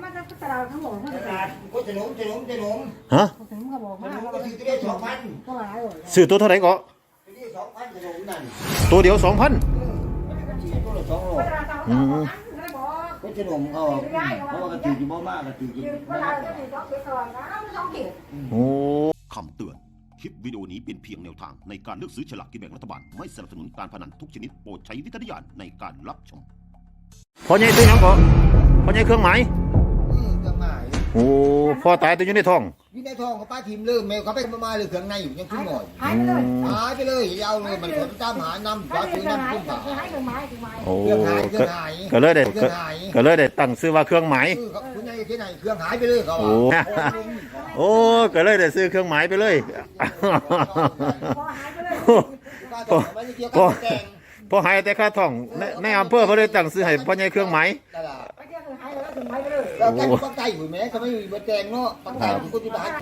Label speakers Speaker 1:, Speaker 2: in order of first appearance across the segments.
Speaker 1: มาจากตลาดเขาบอกตลาดก็จะหนุ่ม
Speaker 2: ฮะ
Speaker 1: เขาบอกว่า
Speaker 3: ก็ซื้อได้2,000
Speaker 1: ก็หลายเลย
Speaker 2: ซื้อตัวเท่าไหร่ก็
Speaker 3: ซื้อ2,000ขนมนั่น
Speaker 2: ตัวเดียว 2,000
Speaker 3: ตัวละ2โลก็จะหนุ่มเขาเพราะว่ากระตือจีบ่มากกระตือจี
Speaker 2: โอ้
Speaker 4: คำเตือนคลิปวิดีโอนี้เป็นเพียงแนวทางในการเลือกซื้อฉลากกินแบ่งรัฐบาลไม่สนับสนุนการพนันทุกชนิดโปรดใช้วิจารณญาณในการรับชม
Speaker 2: พอใหญ่ตัวยังก็พอใหญ่เครื่องหมาย
Speaker 3: เครื่องหมาย
Speaker 2: โอ้พ่อตายตัวอยู่ในท้อง
Speaker 3: เขาป้าทีมลืมแมวเขาไปมาเลยเครื่องในอยู่ยังขึ้นหน่อยหายไปเลยเอาเลยมันคนตามหาน้ำฟ้าซื้อน้ำขึ้นป่า
Speaker 2: โอ้ก็เลยได้ตั้งซื้อว่าเครื่องหมาย
Speaker 3: คุณยายที่ไหนเครื่องหายไปเลยเขา
Speaker 2: โอ้ก็เลยได้ซื้อเครื่องหมายไปเลยพอหายแต่ค่าท่องในอำเภอเขาเลยตั้งซื้อให้พ่อใหญ่เครื่องหมาย
Speaker 3: เราแก้ปักไก่หุ่นแม่เขาไม่มีเบอร์แจงเนาะปักไก่คุณจะได้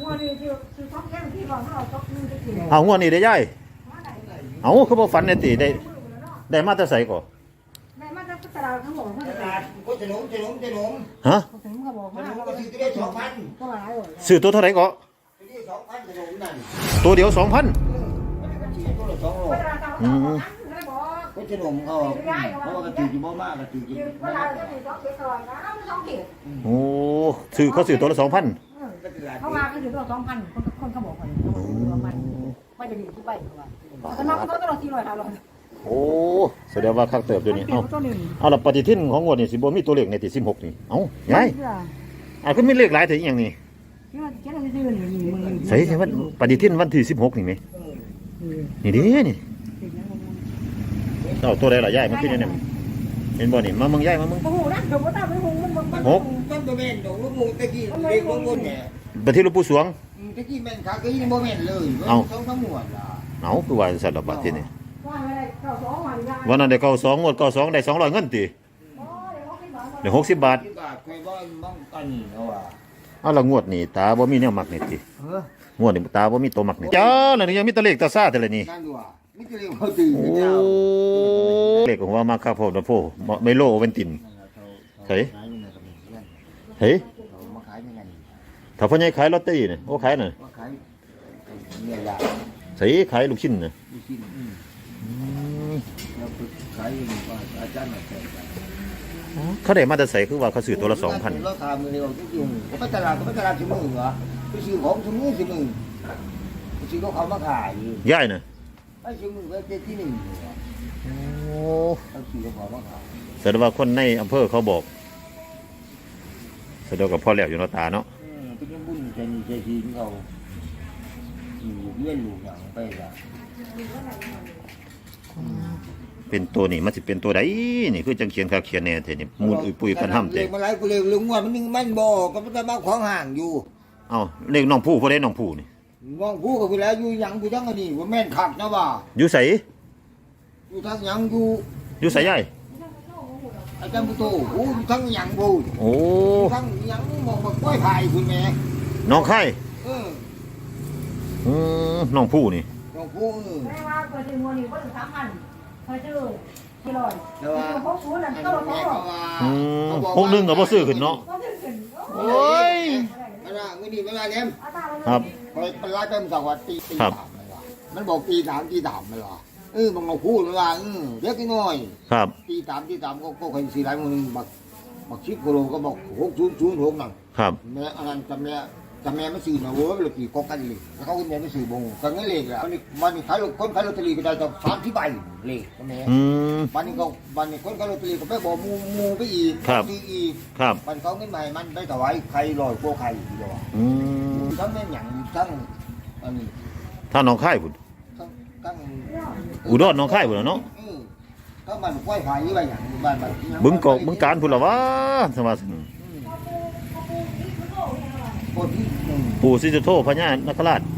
Speaker 2: เอางวดนี้ได้ย่ายเอาเขาบอกฝันในตีได้มาแต่ใส่ก่อ
Speaker 1: ได้มาจากตลาดเขาบอกว่าตลาด
Speaker 3: ก็จะหนุ่ม
Speaker 2: ฮะ
Speaker 1: เขาบอกว่า
Speaker 3: ก็ซื้อได้2,000
Speaker 1: ก็หลายเลย
Speaker 2: ซื้อตัวเท่าไหร่ก่อ
Speaker 3: 2,000ขนมนั่น
Speaker 2: ตัวเดียว 2,000
Speaker 3: ตัวละ2โลก็จะหนุ่มเขาเพราะว่ากระตือจีบ่มากกระตือจี
Speaker 2: โอ้ซื้อเขาซื้อตัวละ 2,000
Speaker 1: เขามาเขาถือตัว2,000คนเขาบอกว่าไม่จะดีที่ไปแต่น้องเขาต้องรอ400 500
Speaker 2: โอ้แสดงว่าคักเติบเดี๋ยวนี้เอาละปฏิทินของงวดนี่สิบ่มีตัวเลขในที่16นี่เอ้ายายก็มีเลขหลายถึงอย่างนี้ใช่ว่าปฏิทินวันที่16นี่มั้ยนี่ดินี่เอาตัวใดล่ะยายมันคือเนี่ยเห็นบ่นี่มามึงยายมามึง
Speaker 1: โอ้โหนะเดี๋ยวบ่ตามไปหุงมัน
Speaker 3: ต้นตัวแม่นดอกลูกมูตะกี้เด็กลูกเนี่ย
Speaker 2: ปฏิทินหลวงปู่สวง
Speaker 3: ตะกี้แม่นขาก็ยังบ่แม่นเลยต้องทั้งหมดล่ะ
Speaker 2: เอาคือว่าสัตว์ละบาทที่นี่วันนั้นได้เข้า2งวดเข้า2ได้200เงินติได้60 บาท
Speaker 3: เคยบ่บ้องกันเอาว่า
Speaker 2: เอาละงวดนี่ตาบ่มีแนวมักนี่ติงวดนี่ตาบ่มีตัวมักนี่จ้าแล้วนี่ยังมีตะเลขตาซ่าแต่ละนี่
Speaker 3: นั่นว่ามีตะเลขบ่ตื่น
Speaker 2: โอ้เลขของว่ามาครับพ่อนะพ่อไม่โลเวนตินเฮ้ย
Speaker 3: มาขายยังไง
Speaker 2: ถ้าพ่อใหญ่ขายลอตเตอรี่นี่โอ้ขายน่ะ
Speaker 3: ขายเนี่ยล่ะ
Speaker 2: ใส่ขายลูกชิ้นน่ะ
Speaker 3: ลูกชิ้นแล้วขายว่าอาจารย์น่ะ
Speaker 2: เขาได้มาแต่ใส่คือว่าเขาซื้อตัวละ2,000
Speaker 3: เราถามมื้อนี้ว่าจริงๆเขาไปตลาดชั่วโมงเหรอไปซื้อของชั่วโมงไปซื้อเขามาขาย
Speaker 2: ยายน่ะ
Speaker 3: ไปชั่วโมงก็ที่1
Speaker 2: โอ้
Speaker 3: เขาซื้อเขามาขาย
Speaker 2: แสดงว่าคนในอำเภอเขาบอกแสดงกับพ่อแล้วอยู่เนาะตาเนาะ
Speaker 3: เป็นบุญใจทีเขาอยู่เลี้ยงลูกอย่างไปล่ะ
Speaker 2: เป็นตัวนี่มันสิเป็นตัวใดนี่คือจังเขียนค่าเขียนแน่แท้นี่มูลอุ้ยปุ้ยกันห้ำเต็
Speaker 3: มาหลายกูเลยลุงว่ามันบ่ก็มันมาของห่างอยู่
Speaker 2: เอ้าเลขน้องผู้บ่ได้น้องผู้นี่
Speaker 3: น้องผู้ก็คือแล้วอยู่หยังกูจังอันนี้ว่าแม่นคักนะว่า
Speaker 2: อยู่ไส
Speaker 3: อยู่ทางหยัง
Speaker 2: อยู่ไสยาย
Speaker 3: อาจารย์ผู้โตโอ้อยู่ทางหยังบ่
Speaker 2: โอ้
Speaker 3: ทางหยังมองบ่ก้อยไผ่คุณแม่
Speaker 2: น้องไข่น้องผู้นี่
Speaker 3: น้องผู้
Speaker 1: แม่ว่าก็สิงวนี่บ่ถึง3,000พอซื้อ400
Speaker 3: แล้วว่า60
Speaker 1: นั่นก็
Speaker 2: 61ก็บ่ซื้อขึ้นเนาะโอ้ย
Speaker 3: อันน่ะมื้อนี้เวลาเนี่ย
Speaker 2: ครับ
Speaker 3: ไปไล่ไปมันว่าตี3มันบอกตี3มันว่าบางเราพูดว่าเล็กน้อย
Speaker 2: ครับ
Speaker 3: ตี3ก็เคยสิหลายมื้อบัก10กิโลก็บอก6006นั่น
Speaker 2: ครับ
Speaker 3: แม่อันนั้นจำแม่ไม่ซื้อนะโว้ยเลยกี่กกันเลยแล้วเขาก็แม่ไม่ซื้อบงกันงั้นเลยแล้ววันนี้ขายคนขายลอตเตอรี่ก็ได้จะ30ใบเลยแม่วันนี้คนขายลอตเตอรี่ก็ไปบอกมูไปอีกซื้ออีกมันเขาเงินใหม่มันไปถวายใครลอยโก้ใครดีกว่าทั้งแม่หยังทั้งอันนี้
Speaker 2: ถ้าน้องค่ายพุ่นอุดรน้องค่ายพุ่นเนาะ
Speaker 3: ก็มันกล้วยไผ่ยี่ใบหยังบ้าน
Speaker 2: บึงการพุ่นละวะสมาปู่ศรีสุโธพญานคราช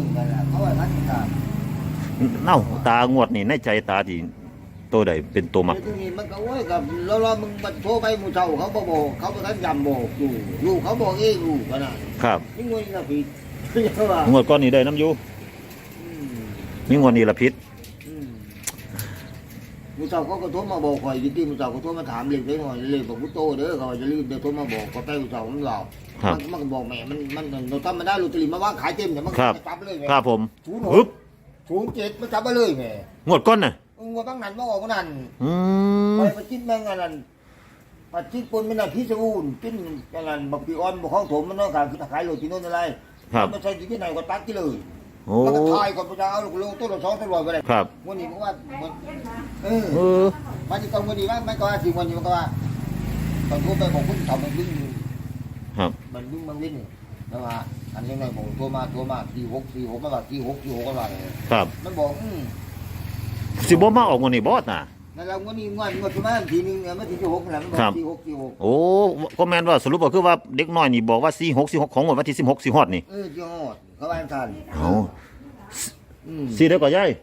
Speaker 2: เน่าตางวดนี่ในใจตาที่ตัวใดเป็นตัวมัก
Speaker 3: มันก็โอ้ยกับเรามึงมันโทรไปหมู่เจ้าเขาบอกเขาไปทันยำบอกอยู่ลูกเขาบอกเองอยู่ขนาด
Speaker 2: ครับ
Speaker 3: นี่งวดนี้ละผิด
Speaker 2: งวดก้อนนี้ได้น้ำยูนี่งวดนี้ละผิด
Speaker 3: มือเจ้าก็โทรมาบอกข่อยจริงๆมือเจ้าก็โทรมาถามเล็กได้หน่อยเล็กบอกกูโตเด้อเขาจะรีบเดี๋ยวโทรมาบอกก็ไปมือเจ้ามันเรามันก็บอกแม่มันเราทำมาได้ลอตเตอรี่มาว่าขายเต็มเนี่ยมันจับเลยแม่
Speaker 2: ครับผม
Speaker 3: 06 07มันจับมาเลยแม่
Speaker 2: งวดก้นน่ะ
Speaker 3: งวดบางนั้นมาออกนั่น
Speaker 2: อืม
Speaker 3: ไปประจิตแม่งอันนั้นประจิตปนไม่ได้พิศวูนกินอันนั้นบักปีออนบักของถมมันต้องการคือขายโรตีโน่นอะไร
Speaker 2: ครับ
Speaker 3: มันใส่ที่ไหนก็ตัดที่เลย
Speaker 2: โอ้
Speaker 3: มันก็ทายก่อนพระเจ้าเอาลูกต้นละ2 ตัวไปเลย
Speaker 2: ครับ
Speaker 3: วันนี้มันว่าเอ
Speaker 2: เอ
Speaker 3: อ
Speaker 2: อ
Speaker 3: มันจะต้องวันนี้มันก็ว่าสิวันนี้มันก็ว่าตอนพูดไปบอกคุณทำมันวิ่ง
Speaker 2: ครับ
Speaker 3: มันวิ่งมันวิ่งแล้วว่าอันนี้ไงบอกตัวมา46มันว่า46ก็ว่าเลย
Speaker 2: ครับ
Speaker 3: มันบอก
Speaker 2: สิบ่มาออกงวดนี้บ่น่ะ
Speaker 3: นั่นเราวันนี้งวดที่มาทีนึงมันที่46นั่นแหละมันบอก46
Speaker 2: โอ้ก็แม่นว่าสรุปก็คือว่าเด็กน้อยนี่บอกว่า46ของงวดวันที่16สิฮอดนี่
Speaker 3: ที่ฮอดเขาว่าทัน
Speaker 2: เอาสี่เด้อก็ยาย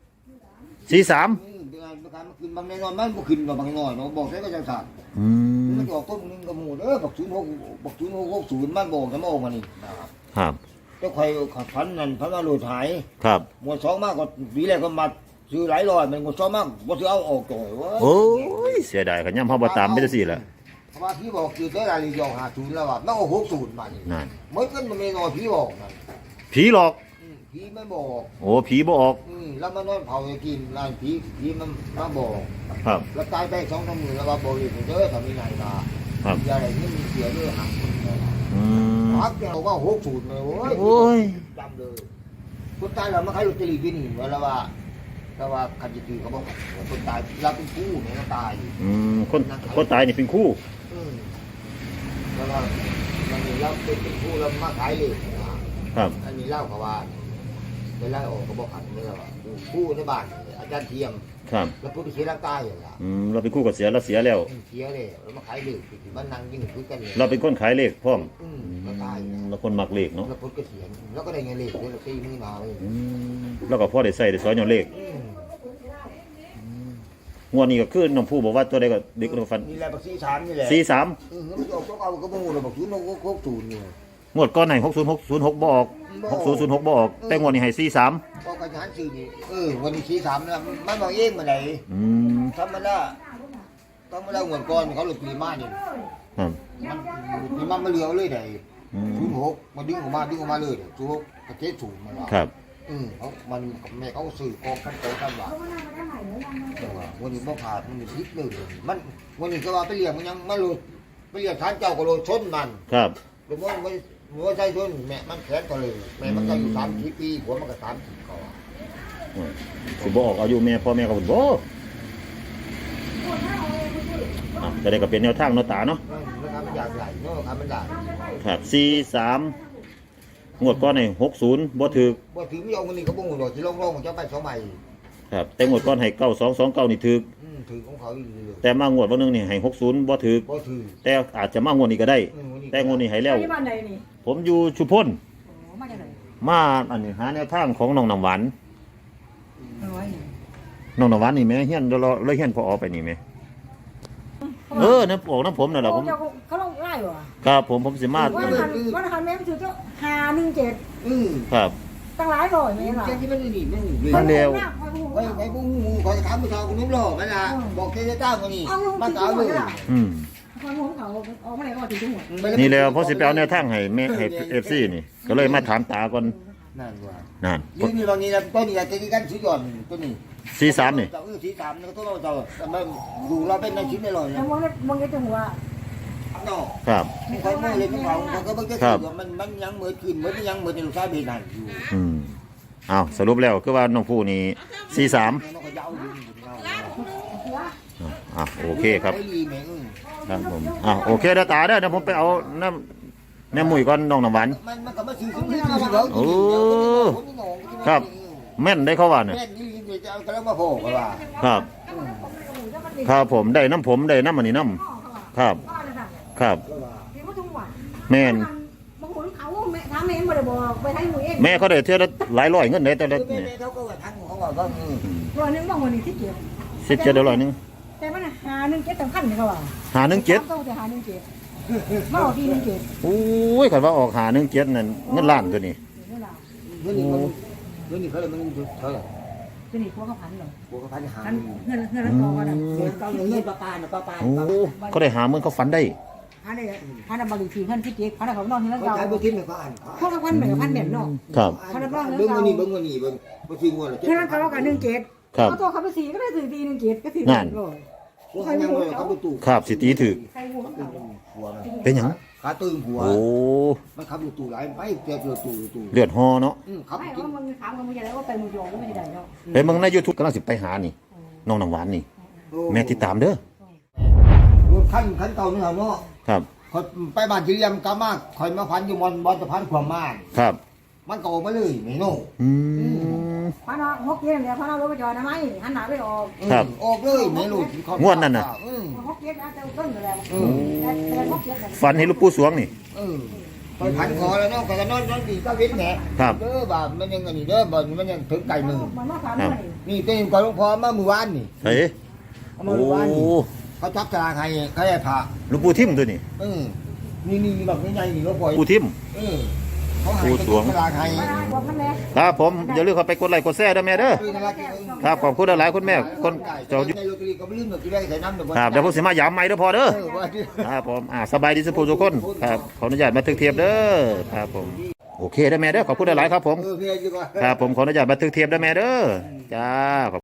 Speaker 2: 43
Speaker 3: บางคืนบางน้อยมันบ่ขึ้นบางน้อยบอกได้ก็จังซั่น
Speaker 2: อืม
Speaker 3: มันจะออกต้นนึงก็หมู่บัก0660มันบอกจะมาออกมานี่นะครับ
Speaker 2: ครับ
Speaker 3: เจ้าใครพันนั่นพันมาโหลดหาย
Speaker 2: ครับ
Speaker 3: หมวด2มากก็ปีแรกก็มาซื้อหลายร้อยมันหมวด2มากบ่ซื้อเอาออกจ่อยเว้ย
Speaker 2: โอ้ยเสียดายกันย่ำเฮาบ่ตามไปจังซี่แหละ
Speaker 3: เพราะว่าพี่บอกคือได้รายละเอียด50แล้วว่ามันเอา60มานี่
Speaker 2: นั่น
Speaker 3: เหมือนกันมันไม่น้อยพี่บอกนั่น
Speaker 2: ผีหลอก
Speaker 3: พี่ไม่บอก
Speaker 2: โอ้ผีบ่ออก
Speaker 3: แล้วมันนอนเผาให้กินร้านผีมันมาบอก
Speaker 2: ครับ
Speaker 3: แล้วตายไป2-3 มื้อแล้วว่าบอกเลยเด้อถ้ามีนายมาอย่าอะไรนี่มีเสียเด้อหักคนเลย
Speaker 2: อืม
Speaker 3: หักแกว่า60เลยโอ้ย
Speaker 2: โอ้ย
Speaker 3: จำเลยคนตายแล้วมาขายลอตเตอรี่ที่นี่แล้วว่าคันจิตีเขาบอกคนตายเราเป็นผู้เนี่ยเราตาย
Speaker 2: คนตายนี่เป็นคู่
Speaker 3: แล้วว่ามันนี่เราเป็นผู้เรามาขายเลยนะครับ อันนี้เล่าเขาว่าเวลาออกเขาบอกขันนี่เราผู้ในบ้านอาจารย์เทียม
Speaker 2: ครับ
Speaker 3: แล้วผู้ที่เสียร่างกายอย่างเงี้ย
Speaker 2: เราเป็นคู่กับเสียแล้วเสียแล้ว
Speaker 3: เสียเลยแล้วมาขายเลยมันนั่งยิ่งคุยกันเลย
Speaker 2: เราเป็นคนขายเลขพร้อม
Speaker 3: เราตาย
Speaker 2: เราคนมักเลขเนาะ
Speaker 3: แล้วพุทธก็เสียแล้วก็ได้เงินเลยเดือนละ4 มื้อมาเลย
Speaker 2: แล้วก็พอได้ใส่ได้สอนย้อนเลขงวดนี้ก็คือน้องผู้บอกว่าตัวใดก็เด็กเราฟัน
Speaker 3: นี่แหละบักซี่3นี่แหละ
Speaker 2: 43
Speaker 3: มันออกต้องเอาก็บ่ฮู้เลยบัก0660นี่
Speaker 2: งวดก่อนให้6006บ่ออก6006บ่ออกแต่งวดนี้ให้43
Speaker 3: ก็กระชั้น4นี่วันนี้43นะมันบอกเองมาไหนธรรมดาเงินก่อนเขาหลุดปีมานี่
Speaker 2: ครับ
Speaker 3: มันมาเหลือเลยได้06มาดึงออกมาเลย06ประเทศถูกมันว่า
Speaker 2: ครับ
Speaker 3: เขามันแม่เขาซื้อกองกันโตกันว่าวันนี้บ่ขาดมันพิษเลยมันวันนี้ก็ว่าไปเลี้ยงมันยังมาหลุดไปเลี้ยงทานเจ้าก็โลชนมัน
Speaker 2: ครับ
Speaker 3: หรือว่าหัวใจชนแม่มันแขนก็เลยแม่มันก็อยู่30 ปีหัวมันก็30เขา
Speaker 2: สิบ่ออกอายุแม่พ่อแม่ก็บ่จะได้ก็เป็นแนวทางเนาะตาเนาะ
Speaker 3: นะครับมันอยากใหญ่เนาะครับมันใหญ่
Speaker 2: ครับ43งวดก่อนให้60บ่ถูก
Speaker 3: บ่ถึงไม่เอาเงินนี่ก็บ่ฮู้ดอกสิลงๆจะไป2ใบ
Speaker 2: ครับแต่งวดก่อนให้9229นี่ถูก
Speaker 3: ถือของเขาอยู่เลย
Speaker 2: แต่มางวดวันนึงนี่ให้60บ่ถูก
Speaker 3: บ่ถือ
Speaker 2: แต่อาจจะมางวดนี้ก็ได้ แต่งวดนี้ให้แล้ว
Speaker 1: ที่บ้านใดนี่
Speaker 2: ผมอยู่ชุมพล
Speaker 1: โอ้มาจากไหน
Speaker 2: มาอันนี้หาแนวทางของน้องน้ำหวาน
Speaker 1: น้อย
Speaker 2: น้องน้ำหวานนี่แม่เฮียนเลยเฮียนพอไปนี่แม่น้ำออกน้ำผมนั่นแหละผม
Speaker 1: เขาลงไล่เหรอ
Speaker 2: ครับผมสิมา
Speaker 1: วันหันแม่ไปถือเจ้า517
Speaker 2: ครับ
Speaker 1: ตั้งหลายร้อยแม่ล่ะ
Speaker 3: แค่ที่มันนี่มันนี่
Speaker 2: มันเร็ว
Speaker 3: ไปบ่ฮู้ขอถามผู้ชายคนนู้นหรอมันล่ะบอกเจ้าคนนี้มาเอาเลย
Speaker 1: ความรู้เขาออกมาไหนก็ถือทั้งหมด
Speaker 2: นี่แล้วพอสิไปเอาแนวทางให้แม่ให้ FC นี่ก็เลยมาถามตาก่อน
Speaker 3: นั่นว่า
Speaker 2: นั่น
Speaker 3: นี่บางนี้นะต้นนี้จะกันสุดยอดตัวนี้
Speaker 2: 43นี่
Speaker 3: 43นี่ก็ต้องเรามันดูเราเป็นในชิ้นได้เลย
Speaker 1: แล้วมองจังหัว
Speaker 3: เนาะ
Speaker 2: ครับ
Speaker 3: ใครมือเลยเขาก็บ่จะถือมันยังเหมือนขึ้นเหมือนยังเหมือนลูกชายเบนนั่นอยู่
Speaker 2: เอาสรุปแล้วคือว่าน้องผู้นี่43โอเคครับครับผมโอเคเด้อตาเด้อเดี๋ยวผมไปเอาน้ำแม่มุ้ยก่อนน้องน้ำหวาน
Speaker 3: มันก็มาซื้อซื้อ
Speaker 2: โอ้ครับแม่นได้เข้าว่าเนี่ย
Speaker 3: แม่นี่จะเอากระมาโผล่กันว่า
Speaker 2: ครับครับผมได้น้ำอันนี้น้ำครับครับแม่น
Speaker 1: บางคนเขาถามแม่บ่ได้บอกไปให้หนูเอง
Speaker 2: แม่เขาได้เท่าละหลายร้อยเงินได้แต่ละ
Speaker 3: แม่
Speaker 2: เนี่ย
Speaker 3: เขาก็ว่าทางของเขาว่าก็
Speaker 1: ร้อยนึงบางวันนี้ที่เก็บ
Speaker 2: 17 100
Speaker 1: แต่มัน517สำคัญเขาว่า
Speaker 2: 517
Speaker 1: ต้องจะ517มาออกที่17
Speaker 2: โอ้ยคันว่าออก517นั่นเงินล้านตัวนี้
Speaker 3: เงินนี่เขาเลยมันเท่าไหร่
Speaker 1: จะหนีพวกเขาพันเหรอ
Speaker 3: บัวกระพันหา
Speaker 1: พันเงินแล้วพอกัน
Speaker 3: เงินเก่าเงินปลาปลาเนาะปลาปลา
Speaker 2: โอ้เขาได้หาเมืองเขาฝันได้
Speaker 1: พันได้พันบริทีพันที่เจ๊พันเขานอนที่นั่น
Speaker 3: เขา
Speaker 1: เก่า
Speaker 3: ใช้บัวทิพย์เนี่ยเขาอ่าน
Speaker 1: พวกพันเหมือนพันเหม็นเนาะ
Speaker 2: ครับ
Speaker 3: เบิ่งวันนี้เบิ่งวันนี้เบิ่งบัวทิพย์งวดละ
Speaker 1: ที่นั่นเขาว่ากัน1 เกต
Speaker 2: ครับ
Speaker 1: เอาตัวเขาไป4ก็ได้ถือตี1 เกตก็ถือ
Speaker 2: นั่น
Speaker 3: พวกเขายังเลยเขาไปตู่
Speaker 2: ครับสิตีถึก
Speaker 1: ใส่หัวเขา
Speaker 3: หัวมัน
Speaker 2: เป็นหยัง
Speaker 3: ขาตึงหัว
Speaker 2: โอ้
Speaker 3: มันขับอยู่ตู่หลายไปเจ็บอยู่ตู่ตู่
Speaker 2: เลือดฮอเนาะ
Speaker 3: ขับ
Speaker 1: ไม่
Speaker 3: กิน
Speaker 1: ว่ามึงถามกันมึงจะได้ว่าไปมึงโยงก็ไม่ได้เนาะ
Speaker 2: ไปเมืองใน YouTube กำลังสิไปหานี่น้องน้ำหวานนี่แม่ติดตามเด้อ
Speaker 3: รถขั้นเก่านี่เหรอเนาะ
Speaker 2: ครับ
Speaker 3: คอยไปบ้านจีเรียมกามากคอยมาพันอยู่บอลสะพานขวามมาน
Speaker 2: ครับ
Speaker 3: มันก็ออกมาเลยไม่โน่
Speaker 2: อืม
Speaker 1: พันเอา6 เกตเนี่ยพันเอารถไปจอดนะไหมหันหน้าไปออก
Speaker 2: ครับ
Speaker 3: ออกเลยไม่รู้
Speaker 2: งวดนั้นน่ะ
Speaker 1: 6 เกตอาจจะต้นกันแล้วแต่6 เกต
Speaker 2: ฝันเห็นลูกปู่สวงนี่
Speaker 3: คอยพันคอแล้วเนาะก็นอนดีก็วิทย์แหน
Speaker 2: ครับ
Speaker 3: เด้อบ่ามันยังอันนี้เด้อบ่มันยังถึงไก่มือ
Speaker 1: มันมาถามเลย
Speaker 3: นี่ตัวเองก่อนหลวงพ่อมาเมื่อวานนี่
Speaker 2: เฮ้ย
Speaker 3: เอามา
Speaker 2: โอ้
Speaker 3: เมื่อวานนี่เขาจับตารางให้เขาให้ผ่า
Speaker 2: ลูกปู่ทิมตัวนี้
Speaker 3: นี่แบบใหญ่ๆนี่หลวงพ่อ
Speaker 2: ปู่ทิม
Speaker 3: เขาให้ตารางให้
Speaker 1: มาได้บอกพันแม่
Speaker 2: ครับผมอย่าลืมเข้าไปกดไลค์กดแชร์ด้วยแม่เด้อครับขอบคุณหลายๆคุณแม่คนเจ้าอยู่
Speaker 3: ในโรตารีก็ไม่ลืมหรอกที่แรกใส่น้ำเดี๋ยว
Speaker 2: ครับเดี๋ยวผมสิมายามใหม่เด้อพอเด้อ
Speaker 3: ว่าที่
Speaker 2: ครับผมสบายดีสุขทุกคนครับขออนุญาตบันทึกเทียบเด้อครับผมโอเคได้อแม่เด้อขอบคุณหลายๆครับผม
Speaker 3: พี่ดีกว่า
Speaker 2: ครับผมขออนุญาตบันทึกเทียบได้อแม่เด้อจ้า